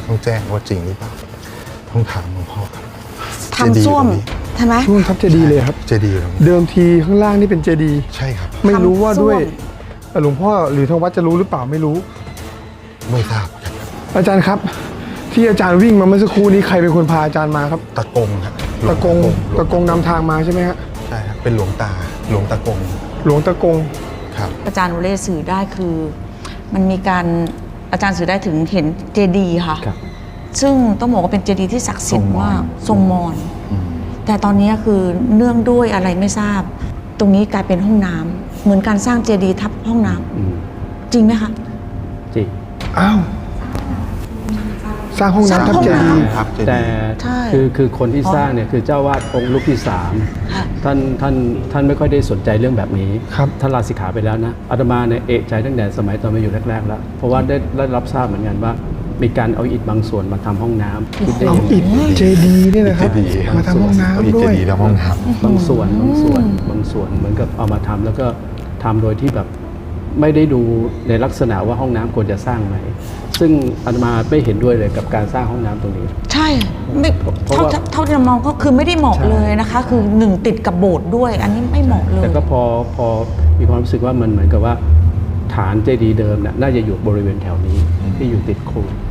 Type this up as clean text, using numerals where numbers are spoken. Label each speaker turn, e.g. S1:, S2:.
S1: ต้องแจ้งว่าจริงหรือเปล่าต้องถามหลวงพ่อครับ
S2: ทำส้วมใช่ไหม
S3: ช่วงทับเจดีย์เลยครับ
S1: เจดีย์ครับ
S3: เดิมทีข้างล่างนี่เป็นเจดีย์
S1: ใช่ครับ
S3: ไม่รู้ว่าด้วย
S2: ทำส้ว
S3: หลวงพ่อหรือทางวัดจะรู้หรือเปล่าไม่รู้
S1: ไม่ทราบครับ
S3: อาจารย์ครับ ที่อาจารย์วิ่งมาเมื่อสักครู่นี้ใครเป็นคนพาอาจารย์มาครับ
S1: ตะกงครับ
S3: ตะกงนำทางมาใช่ไหมฮะ
S1: ใช่ครับเป็นหลวงตะกง
S3: หลวงตะกง
S1: ครับ
S2: อาจารย์โอเล่สื่อได้คือมันมีการอาจารย์สื่อได้ถึงเห็นเจดีย์ค่ะ
S4: ครับ
S2: ซึ่งต้องบอกว่าเป็นเจดีย์ที่ศักดิ์สิทธิ์มากทรงมอญ
S1: อืม
S2: แต่ตอนนี้คือเนื่องด้วยอะไรไม่ทราบ ตรงนี้กลายเป็นห้องน้ำเหมือนการสร้างเจดีย์ทับห้องน้ำ
S4: อืม
S2: จริงไหมคะ
S4: จริง
S3: อ้าวสร้างห้องน้ำทับเจดีย์
S1: ครับเจดีย์
S4: แต่
S2: ใช่
S4: คือคนที่สร้างเนี่ยคือเจ้าวาดองค์ลูกที่สาม
S2: ค่ะ
S4: ท่านไม่ค่อยได้สนใจเรื่องแบบนี้
S3: ครับ
S4: ท่านลาสิกขาไปแล้วนะอาตมาเนี่ยเอะใจตั้งแต่สมัยตอนมาอยู่แรกๆแล้วเพราะว่าได้รับทราบเหมือนกันว่า มีการเอาอิฐบางส่วนมาทำห้องน้ำคิดได้
S3: เอา
S4: ยังไง
S3: อิฐเจดีย์นี่นะครับ
S1: เจดีย์ครับ
S3: มาทำห้อง
S1: เอาอิฐ
S3: น้ำด้วย
S1: เจดีย์ทำห้องน้
S4: บางส่วนเหมือนกับเอามาทำแล้วก็ทำโดยที่แบบไม่ได้ดูในลักษณะว่าห้องน้ำควรจะสร้างไหมซึ่งอาตมาไม่เห็นด้วยเลยกับการสร้างห้องน้ำตรงนี้
S2: ใช่ไม่
S4: เพราะว่า
S2: เท่าที่เรามองก็คือไม่ได้เหมาะ
S4: ใช่
S2: เลยนะคะ คือหนึ่งติดกับโบสถ์ด้วย อันนี้ไม่เหมาะเลย
S4: แต่ก็พอมีความรู้สึกว่ามันเหมือนกับว่าฐานเจดีย์เดิมน่ะน่าจะอยู่บริเวณแถวนี้ที่อยู่ติดโคู